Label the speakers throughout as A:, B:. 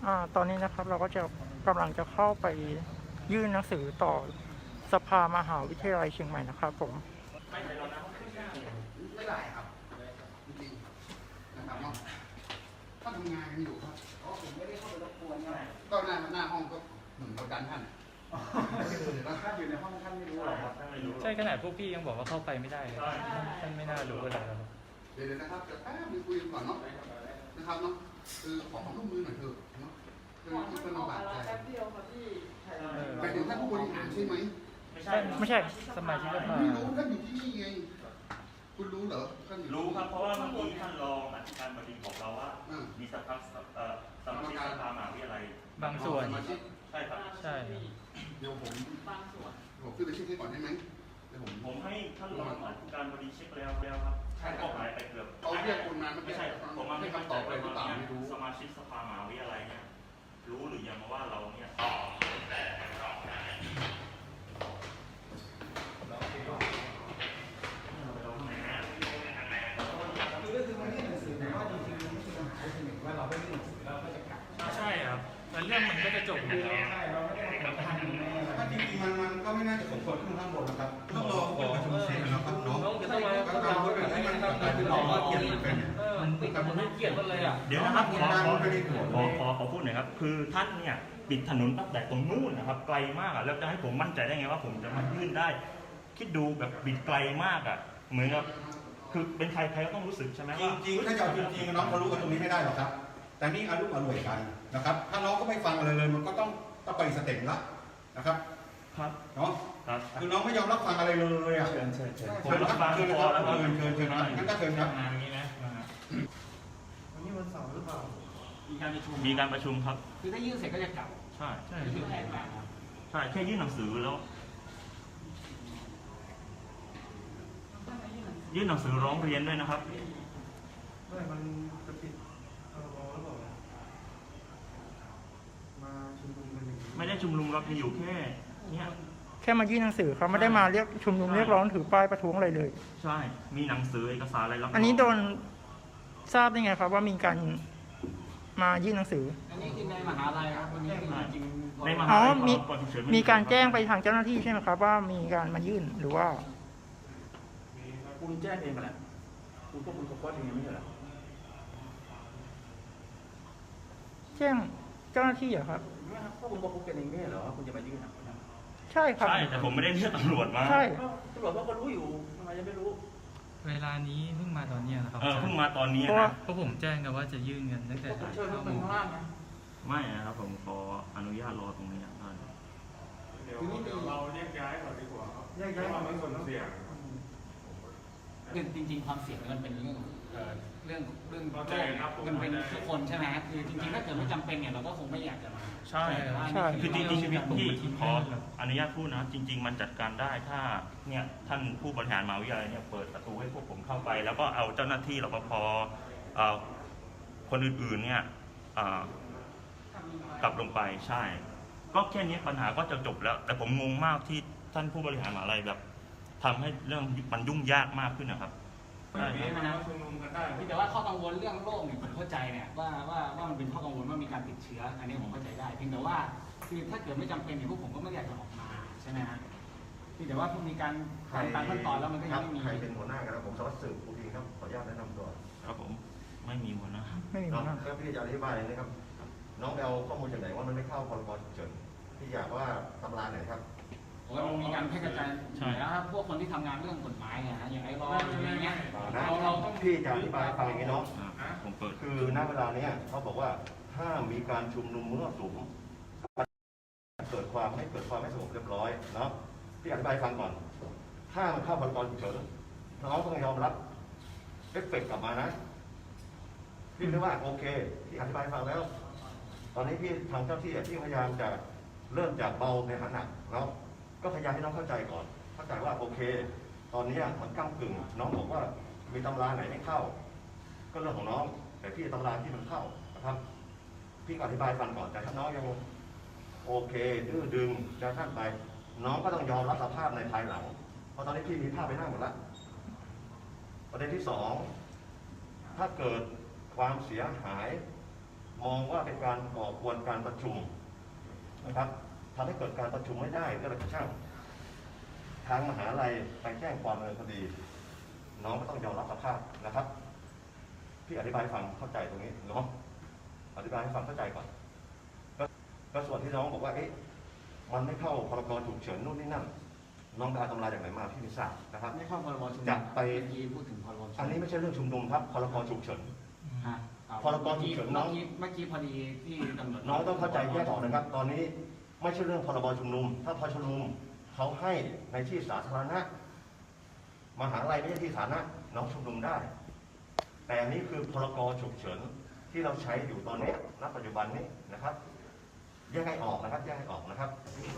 A: ตอนนี้นะครับเราก็จะกำลังจะเข้าไปยื่นหนังสือต่อสภามหาวิทยาลัยเชียงใหม่นะครับผม
B: ไม่ได้ครับจริงๆนะครับเนาะถ้าทำงานกันอยู่ครับผมไม่ได้เข้าไปรบกวนก็หน้าห้องก็เหมือนประกันท่านท่านอยู่ในห้องท่านไม่รู้หรอกครับ
C: ใช่ขนาดพวกพี่ยังบอกว่าเข้าไปไม่ได้เลยท่านไม่น่ารู้อะไรครับ
B: เดี๋ยวนะครับจะแป๊บนึงคุยกันก่อนเนาะนะครับเนาะคือขอความร่วมมือหน่อยเถอะเนาะคือที่เป็นลำบากใจไปถึงท่านผู้บริหารใช่ไหม
A: ไม่ใช่
C: สมาชิกสภา
B: ไม่รู้ท่านอยู่ที่นี่ไงคุณรู้เหรอท่านอยู่
D: รู้ครับเพราะว่าเมื่อกี้ท่านรองอธิการบดีบอกเราว่ามีสมาชิกสมาชิกสภามหาวิทยาลัย
C: บางส่วน
D: ใช่ครับ
C: ใช่
B: เดี๋ยวผมขึ้นไปเช็คให้ก่อนได้ไหมเดี๋ยว
D: ผมให้ท่านรองอธิการบดีเช็คแล้วครับท่านก็หายไปเกือบ
B: เขาเรียกคนมา
D: ไม่ใช่ผมมา
B: ให้คำตอบอะไรหรือเปล่าไม่รู้
D: สมาชิกสภามหาวิทยาลัยเนี่ยรู้หรือยังว่าเราเนี่ย
C: ใช่ครับแล้วเรื่องมันก็จะจบอยู่แล้ว
B: ถ้าจริงๆมันก็ไม่น่าจะสมควรขึ้นข้างบนนะครับต้องรอผู้ประชุมเสร็จนะครับน้อง
C: ต้องมา
B: การพูดแบบนี้มันคือออกมาเกียรติเป็น
C: มันติดกับมันเกียรติกันเลยอ่ะ
D: เดี๋ยวนะครับขอพูดหน่อยครับคือท่านเนี่ยปิดถนนตั้งแต่ตรงนู้นนะครับไกลมากอ่ะแล้วจะให้ผมมั่นใจได้ไงว่าผมจะมายื่นได้คิดดูแบบบิดไกลมากอ่ะเหมือนกับคือเป็นใครก็ต้องรู้สึกใช่ไหมว่า
B: จริงๆถ้าจะจริงๆน้องเขารู้กันตรงนี้ไม่ได้หรอกครับแต่นี่อารมณ์อร่วยกันนะครับถ้าน้องก็ไม่ฟังอะไรเลยมันก็ต้องไปสเต็ปละนะครับเนาะคือน้องไม่ยอมรับฟังอะไรเลยอ่ะ
D: เชิญผมรับฟังพอแล้ว
B: เชิญงั้นก็เชิญครับ
C: อย่างนี้นะ
A: วันนี้วันเสาร์หรือเปล่า
D: มีการประชุมครับ
C: คือถ้ายื่นเสร็จก็จะกลับ
D: ใช่
C: คือแผนการ
D: ใช่แค่ยื่นหนังสือแล้วยื่นหนังสือร้องเรียนด้วยนะครับ
A: มันจะปิดรอหรือเปล่ามาชุมนุมกัน
D: ไม่ได้ชุมนุมเราอยู่แค่เนี่ย
A: แค่มายื่นหนังสือเขาไม่ได้มาเรียกชุมนุมเรียกร้องถือป้ายประท้วงอะไรเลย
D: ใช่มีหนังสือเอกสารอะไรรับ
A: อันนี้โดนทราบได้ไงครับว่ามีการมายื่นหนังสือ
C: อันนี้คือในมหาลัยครับวันนี้จริง
D: ในมหาลัย
A: มีการแจ้งไปทางเจ้าหน้าที่ใช่ไหมครับว่ามีการมายื่นหรือว่า
D: คุณแจ้งเองแหละคุณก็คุณก็เองไม่ใช่หรอ
A: แจ้งเจ้าหน้าที่เหรอครับ
D: ก็คุณบอกคุณเป็นเองไม่ใช่เหรอคุณจะมายื่น
A: ใช่ครับ
D: ใช่แต่ผมไม่ได้เรียกตำรวจมา
A: ใช่
D: ตำรวจเขาก็รู้อยู่ทำไมจะไม่รู้
C: เวลานี้เพิ่งมาตอนนี้นะครับ
D: เพิ่งมาตอนนี้
C: นะเพราะผมแจ้งกันว่าจะยื่นเงินตั้งแต่9 โมง
D: ไม่นะครับผมขออนุญาตรอตรงนี้ท่าน
E: เดี๋ยวเราแยกย้ายก่อนดีกว่าครับแยกย้ายความส่วนเสี่ยง
F: จริงๆความเสี่ยงมันเป็นเรื่องมันเป็นทุกคนใช่ไหมคือจริงๆถ้าเกิดไม่จำเป็นเนี่ยเราก็คงไม่อยากจะมา
D: ใช่คือจริงๆที่ขออนุญาตพูดนะจริงๆมันจัดการได้ถ้าเนี่ยท่านผู้บริหารมหาวิทยาลัยเนี่ยเปิดประตูให้พวกผมเข้าไปแล้วก็เอาเจ้าหน้าที่รปภคนอื่นๆเนี่ยกลับลงไปใช่ก็แค่นี้ปัญหาก็จะจบแล้วแต่ผมงงมากที่ท่านผู้บริหารมหาวิทยาลัยแบบทำให้เรื่องมันยุ่งยากมากขึ้นนะครับ
F: แต่ว่าข้อกังวลเรื่องโรคเนี่ยผมเข้าใจเนี่ยว่ามันเป็นข้อกังวลว่ามีการติดเชื้ออันนี้ผมเข้าใจได้เพียงแต่ว่าคือถ้าเกิดไม่จำเป็นเนี่ยพวกผมก็ไม่อยากจะออกมาใช่ไหมฮะแต่ว่ามีการตามขั้นตอนแล้วมันก็ยังไม่มี
B: ใครเป็นหัวหน้ากันแล้วผมสวัสดิ์สืบภูพิงครับขออนุญาตแนะนำตัว
D: ครับผมไม่มีหัวหน้า
A: ไม่มีหัวหน้า
B: แล้วพี่จะอธิบายนะครับน้องไปเอาข้อมูลจากไหนว่ามันไม่เข้าพรบฉุกเฉินพี่อยากว่าตำราไหนครับ
F: ว่ามันมีการแพร่กระจายแล้วพวกคนที่ทำงานเรื่องกฎหมายเนี่ยอย่างไอ้รออย่างเงี้ย
B: เราต้องพี่จะอธิบายฟังอย่างนี้เนาะ
D: ผมเปิด
B: คือณเวลานี้เขาบอกว่าถ้ามีการชุมนุมมั่วสุมเกิดความไม่สงบเรียบร้อยเนาะพี่อธิบายฟังก่อนถ้ามันเข้าพรกฉุกเฉินน้องต้องยอมรับเอฟเฟกต์กลับมานะพี่นึกว่าโอเคพี่อธิบายฟังแล้วตอนนี้พี่ทางเจ้าที่พี่พยายามจะเริ่มจากเบาในหาหนักแล้วก็พยายามให้น้องเข้าใจก่อนเข้าใจว่าโอเคตอนนี้มันก้ากึ่งน้องบอกว่ามีตำราไหนไม่เข้าก็เรื่องของน้องแต่พี่ตำราที่มันเข้านะครับพี่อธิบายฟังก่อนแต่ถ้าน้องยังโอเคดื้อดึงจะท่านไปน้องก็ต้องยอมรับสภาพในภายหลังเพราะตอนนี้พี่มีภาพไปหน้าหมดแล้วประเด็นที่2ถ้าเกิดความเสียหายมองว่าเป็นการก่อกวนการประชุมนะครับทำให้เกิดการประชุมไม่ได้ก็เลยกระช่างทางมหาลัยไปแจ้งความดำเนินคดีน้องก็ต้องยอมรับสภาพนะครับพี่อธิบายให้ฟังเข้าใจตรงนี้เนาะอธิบายให้ฟังเข้าใจก่อนก็ส่วนที่น้องบอกว่าเอ๊ะมันไม่เข้าพรกฉุกเฉินนู่นนี่นั่นน้องไปเอาตำราจากไหนมาพี่ไม่ทราบนะครับ
F: ไม่เข้าพรบชุมนุม
B: จะไป
F: เมื่อกี้พูดถึงพรบชุมนุม
B: อันนี้ไม่ใช่เรื่องชุมนุมครับพรกฉุกเฉิน
F: ฮะ
B: พรกฉุกเฉินน้อง
F: เมื่อกี้พอดีที่ตำรวจ
B: น้องต้องเข้าใจแยกออกนะครับ ตอนนี้ไม่ใช่เรื่องพรบชุมนุมถ้าพรบชุมนุมเขาให้ในที่สาธารณะมหาลัยไม่ใช่ที่สาธารณะน้องชุมนุมได้ แต่อันนี้คือพรกฉุกเฉินที่เราใช้อยู่ตอนนี้ณปัจจุบันนี้นะครับแยกให้ออกนะครับแยกให้ออกนะครับ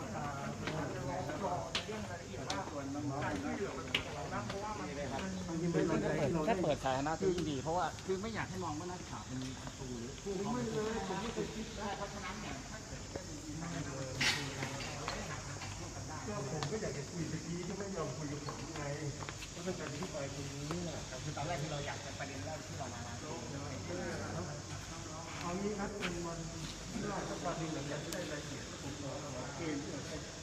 F: แค่เปิดสาธารณะที่ยิ่งดีเพราะว่าคือไม่อยากให้มองว่านักข่าวเป็นศัตรูหรือผู้ไม่เลยผมไม่เคยคิดได้เพราะฉะนั้นเนี่ยถ้าเกิดจะมีการ
E: ผมก็อยากจะคุยตะกี้ที่ไม่ยอมคุยกับผมไงก็เป็นการที่ไปตรงนี้แหละ
F: คือตอนแรกที่เราอยากจะประเด็นแรกที่เรามา
E: เอางี้ครับเป็นวันที่ราชการที่หลังจากได้รายละเอียดผมรอเกณฑ์ที่เราใช้